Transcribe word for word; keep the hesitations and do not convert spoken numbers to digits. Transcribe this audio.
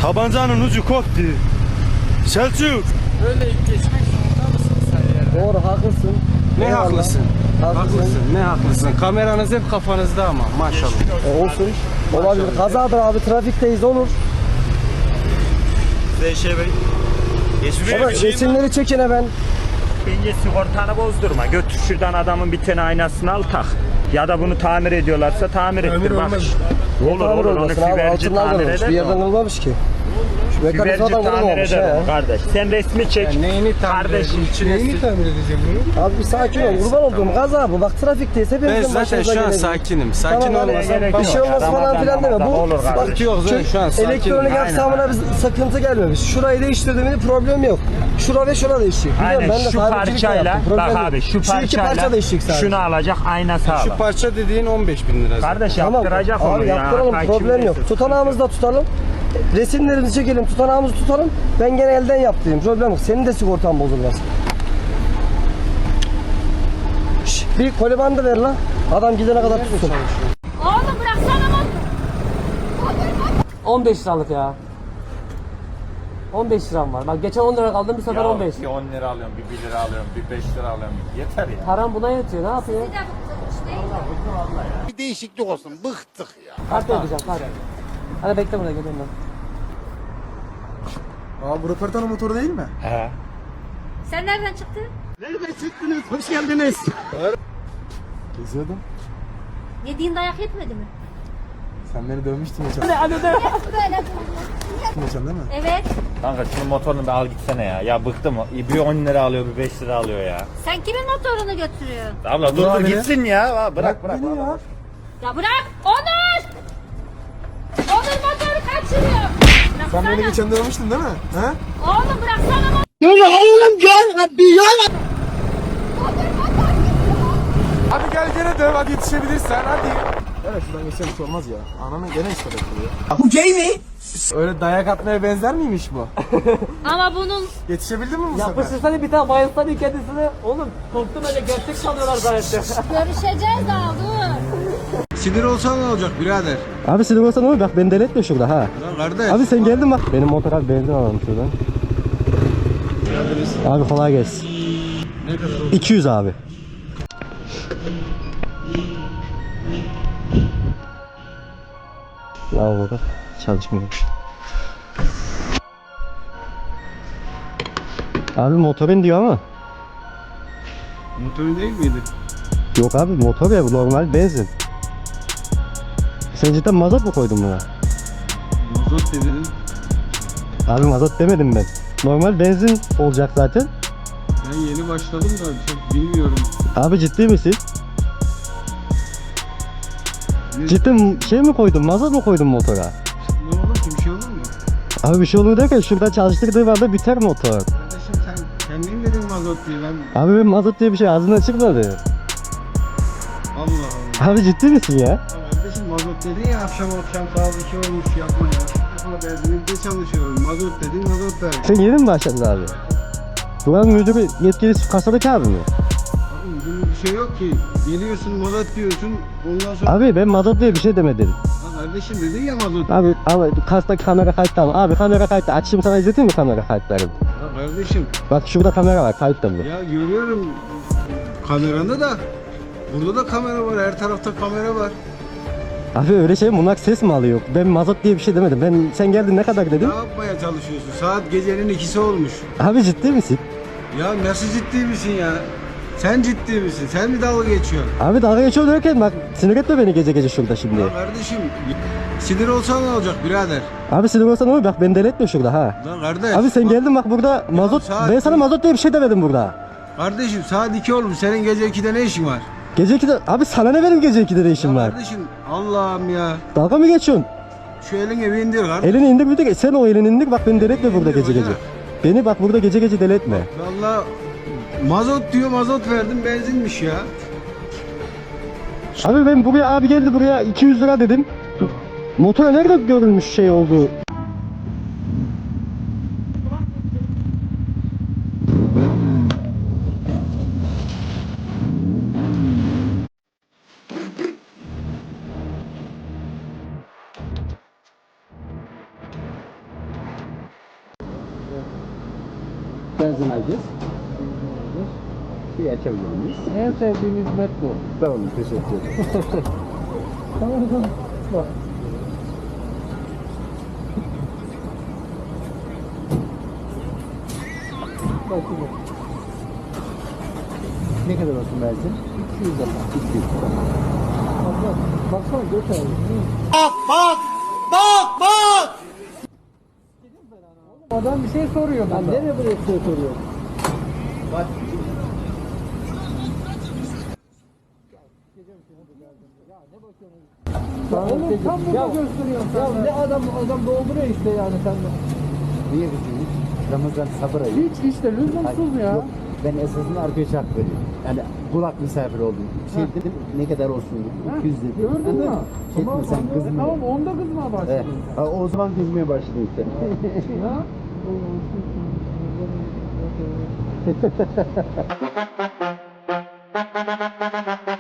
Tabancanın ucu koptu. Selçuk. Öyle geçmek zorunda mısın sen ya? Doğru, haklısın. Ne Eyvallah. haklısın? Haklısın. Haklısın. Ne haklısın? Kameranız hep kafanızda ama maşallah. E, olsun. Olabilir. Kazadır abi, trafikteyiz, olur. Zeyşe Bey. Ama resimleri çekin hemen. Bence sigortanı bozdurma. Götür şuradan adamın bir tane aynasını al tak. Ya da bunu tamir ediyorlarsa tamir ettir bak. Olur Tamir olur onu olmasın abi, fiberci altından tamir kırılmış. eder. Bir yerden kırılmamış ki. Şu Fiberci mekanizmadan tamir kırılmamış eder ya. onu kardeş. Sen resmi çek. Ya neyini tamir Kardeşim, edeceğim? Neyini tamir edeceğim bunu? Abi bir sakin ol, kurban olduğum kaza bu. Bak trafikteyiz, Ben hepimizin zaten başımıza şu an gelebilir. sakinim. Sakin Tamam, olmasam bir şey olmaz falan filan deme. Bu Olur bak, kardeşim. yok zaten şu an sakinim. elektronik Aynen. aksamına bir sıkıntı gelmemiş. Şurayı değiştirdiğimde problem yok. Şura ve şura değişecek. Biliyorum, Aynen ben de şu sahibicilik de parçayla yaptım, problem bak yok. abi şu Şu iki parça parçayla değişecek sadece. şunu alacak ayna Şu sağlam. parça dediğin on beş bin lira. Kardeş Tamam. yaptıracak onu Abi ya. yaptıralım, Takip problem yok. edersin. Tutanağımızı da tutalım. Resimlerimizi çekelim, tutanağımızı tutalım. Ben gene elden yaptırayım, problem yok. Senin de sigortan bozulmaz. Şş, bir koli bandı ver lan. Adam gidene kadar tutsun. Oğlum bıraksana motor. on beş liralık ya. on beş liram var. Bak geçen on lira kaldım, bir sefer on beş. Bir on lira alıyorum, bir bir lira alıyorum, bir beş lira alıyorum. Yeter ya. Param buna yetiyor, ne yapıyor? Bir de bıkmış değil mi? Bir değişiklik olsun. Bıktık ya. Kart ödeyeceğim, kart. Hadi bekle burada, geliyorum ben. Aa, bu röportajın motoru değil mi? He. Sen nereden çıktın? Hoş geldiniz. Geziyordum. Yediğin dayak yetmedi mi? Sen beni dövmüştün geçen. Böyle Geçen değil mi? Evet. Kanka şunun motorunu bir al gitsene ya. Ya bıktım. Bir on lira alıyor, bir beş lira alıyor ya. Sen kimin motorunu götürüyorsun? Abla dur dur gitsin ya. Bırak bırak. Beni ya. Ya bırak! Onur! Onur motoru kaçırıyor. Sen beni Bıraksana. geçen dövmüştün değil mi? He? Oğlum bıraksana motoru. Hadi gel gene döv, hadi yetişebilirsen hadi. Evet, şuradan geçen hiç olmaz ya. Ananın gene işte bekliyor. Bu gay mi? Öyle dayak atmaya benzer miymiş bu? Ama bunun Yetişebildin mi bu sefer? Yapıştırsana bir tane, bayılsana kendisini. Oğlum korktum, öyle gerçek sanıyorlar zannettim. görüşeceğiz daha dur. Sinir olsan ne olacak birader? Abi sinir olsan olur, bak beni deletme şurada ha. Lan kardeş. Abi sen geldin bak. Benim motora bir benzin alalım şuradan. Abi kolay gelsin. Ne kadar oldu? iki yüz abi. Al burada. Çalışmıyor. Abi motorun diyor ama. Motorun değil miydi? Yok abi, motor ya, bu normal benzin. Sen cidden mazot mu koydun buna? Mazot dedin. Abi mazot demedim ben. Normal benzin olacak zaten. Ben yeni başladım da çok bilmiyorum. Abi ciddi misin? Ne, Cidden şey mi koydun, mazot mu koydun motora? ne olur ki bir şey olur mu? Abi bir şey olur derken şurada çalıştırdığı anda biter motor. Kardeşim sen kendin dedin mazot diye ben Abi ben mazot diye bir şey ağzından çıkmadı. Allah Allah. Abi ciddi misin ya? Ya kardeşim mazot dedin ya akşam akşam saat iki olmuş yapma ya. Yapma benzinlikte çalışıyorum. Mazot dedin mazot verdin. Sen yeni mi başladın abi? Buranın müdürü yetkilisi kasadaki abi mi? Abi bunun bir şey yok ki. Geliyorsun mazot diyorsun ondan sonra... Abi ben mazot diye bir şey demedim. Ya kardeşim dedin ya mazot. Abi abi kasta kamera kayıtta mı? Abi kamera kayıtta. Açayım sana, izleteyim mi kamera kayıtlarını? Ya kardeşim Bak şurada kamera var, kayıtta mı? ya görüyorum kameranda da burada da kamera var, her tarafta kamera var. Abi öyle şey mi? Bunlar ses mi alıyor? Ben mazot diye bir şey demedim. Ben sen geldin ne kadar dedim? Ne yapmaya çalışıyorsun? Saat gecenin ikisi olmuş. Abi ciddi misin? Ya nasıl ciddi misin ya? Sen ciddi misin? Sen mi dalga geçiyorsun? Abi dalga geçiyor derken bak sinir etme beni gece gece şurada şimdi. Ya kardeşim sinir olsan ne olacak birader? Abi sinir olsan olur, bak beni deletme şurada ha. Lan kardeş. Abi sen bak- geldin bak burada mazot, saat- ben sana mazot diye bir şey demedim burada. Kardeşim saat iki olmuş. Senin gece ikide ne işin var? Gece ikide, abi sana ne benim gece ikide ne işim Ya var? kardeşim Allah'ım ya. Dalga mı geçiyorsun? Şu elini bir indir kardeşim. Elini indir bir de sen o elini indir, bak beni deletme burada İndir gece gece. hoca. Beni bak burada gece gece deletme. Vallahi mazot diyor mazot verdim benzinmiş ya. Abi ben buraya, abi geldi buraya iki yüz lira dedim. Motora nerede görülmüş şey oldu? benzin alacağız. Bir açabilir miyiz? En sevdiğim hizmet bu. Tamam, teşekkür ederim. Tamam tamam. Bak. Bak şimdi. Ne kadar olsun benzin? iki yüz defa. iki yüz. Bak bak. Baksana göt abi. Adam bir şey soruyor bana. Nereye buraya bir şey soruyor? Bak. Oğlum tam burada gösteriyorsun sen. Ya ne adam adam dolduruyor işte yani sen de. Niye gidiyoruz? Ramazan sabır ayı. Hiç işte lüzumsuz ya. Yok, ben esasında arkadaşa hak veriyorum. Yani kulak misafir oldum. Şey dedim ne kadar olsun dedim. iki yüz dedim. Gördün mü? Şey Tamam, etme sen onda- kızma. Tamam onda kızma Evet. başladın. Ha, o zaman kızmaya başladın sen. Ya.